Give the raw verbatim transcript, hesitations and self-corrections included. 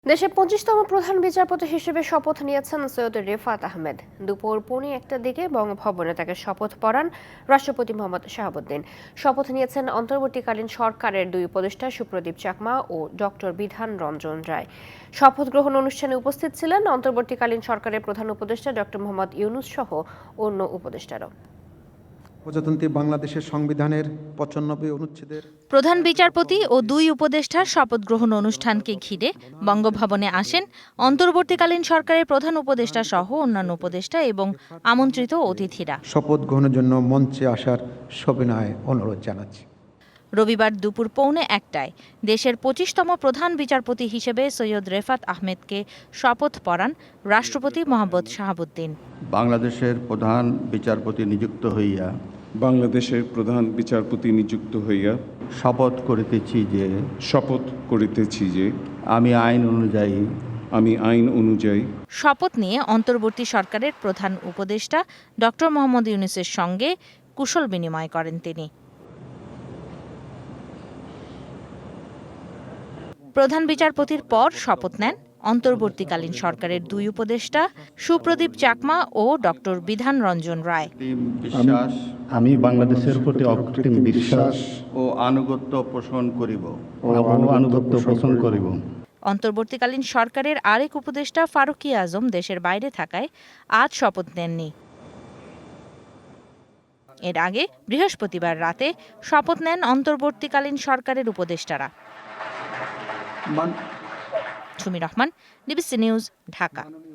দেশের পঁচিশতম প্রধান বিচারপতি হিসেবে শপথ নিয়েছেন সৈয়দ রেফাত আহমেদ। দুপুর পৌনে একটা দিকে বঙ্গভবনে তাকে শপথ পড়ান রাষ্ট্রপতি মোহাম্মদ শাহাবুদ্দিন। শপথ নিয়েছেন অন্তর্বর্তীকালীন সরকারের দুই উপদেষ্টা সুপ্রদীপ চাকমা ও ডক্টর বিধান রঞ্জন রায়। শপথ গ্রহণ অনুষ্ঠানে উপস্থিত ছিলেন অন্তর্বর্তীকালীন সরকারের প্রধান উপদেষ্টা ডক্টর মোহাম্মদ ইউনুস সহ অন্য উপদেষ্টারাও। প্রজাতন্ত্রী বাংলাদেশের সংবিধানের পঁচানব্বই অনুচ্ছেদের প্রধান বিচারপতি ও দুই উপদেষ্টার শপথ গ্রহণ অনুষ্ঠানকে ঘিরে বঙ্গভবনে আসেন অন্তর্বর্তীকালীন সরকারের প্রধান উপদেষ্টা সহ অন্যান্য উপদেষ্টা এবং আমন্ত্রিত অতিথিরা। শপথ গ্রহণের জন্য মঞ্চে আসার সবিনয় অনুরোধ জানাচ্ছি। রবিবার দুপুর পৌনে একটায় দেশের পঁচিশতম প্রধান বিচারপতি হিসেবে সৈয়দ রেফাত আহমেদকে শপথ পড়ান রাষ্ট্রপতি মোহাম্মদ শাহাবুদ্দিন। বাংলাদেশের প্রধান বিচারপতি নিযুক্ত হইয়া বাংলাদেশের প্রধান বিচারপতি নিযুক্ত হইয়া শপথ করিতেছি যে শপথ করিতেছি যে আমি আইন অনুযায়ী আমি আইন অনুযায়ী শপথ নিয়ে অন্তর্বর্তী সরকারের প্রধান উপদেষ্টা ডক্টর মোহাম্মদ ইউনুসের সঙ্গে কুশল বিনিময় করেন তিনি। প্রধান বিচারপতির পর শপথ নেন অন্তর্বর্তীকালীন সরকারের দুই উপদেষ্টা সুপ্রদীপ চাকমা ও ডক্টর বিধান রঞ্জন রায়। বিশ্বাস আমি বাংলাদেশের প্রতি অকৃত্রিম বিশ্বাস ও আনুগত্য পোষণ করিব ও আনুগত্য পোষণ করিব। অন্তর্বর্তীকালীন সরকারের আরেক উপদেষ্টা ফারুকী আজম দেশের বাইরে থাকায় আজ শপথ নেননি। এর আগে বৃহস্পতিবার রাতে শপথ নেন অন্তর্বর্তীকালীন সরকারের উপদেষ্টারা। Sumi Rahman, DBC news, Dhaka.